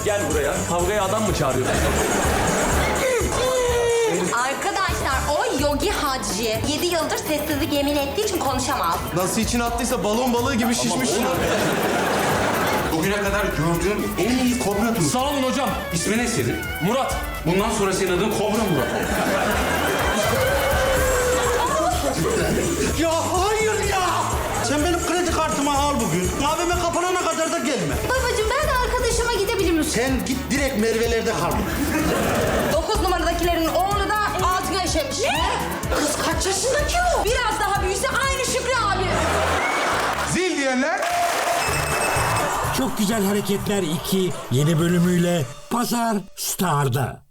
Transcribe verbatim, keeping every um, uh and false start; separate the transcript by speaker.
Speaker 1: Gel buraya. Kavgaya adam mı çağırıyorsun?
Speaker 2: Arkadaşlar o Yogi Hacı yedi yıldır sessizlik yemin ettiği için konuşamaz.
Speaker 3: Nasıl içine attıysa balon balığı gibi şişmiş.
Speaker 4: Bugüne kadar gördüğüm en iyi kobra turşusu.
Speaker 1: Sağ olun hocam.
Speaker 4: İsmi ne senin?
Speaker 1: Murat.
Speaker 4: Bundan sonra senin adın Kobra Murat.
Speaker 5: Ya hayır ya! Sen benim kredi kartımı al bugün. Kahveme kapanana kadar da gelme.
Speaker 2: Babacığım ben de arkadaşıma gidebilir misin?
Speaker 5: Sen git direkt Merve'lerde kal.
Speaker 2: Dokuz numaradakilerin oğlu da altına işemiş. Ne? Kız kaç yaşında ki o? Biraz daha büyüse aynı Şükrü abi.
Speaker 3: Zil diyenler.
Speaker 6: Çok Güzel Hareketler iki yeni bölümüyle Pazar Star'da.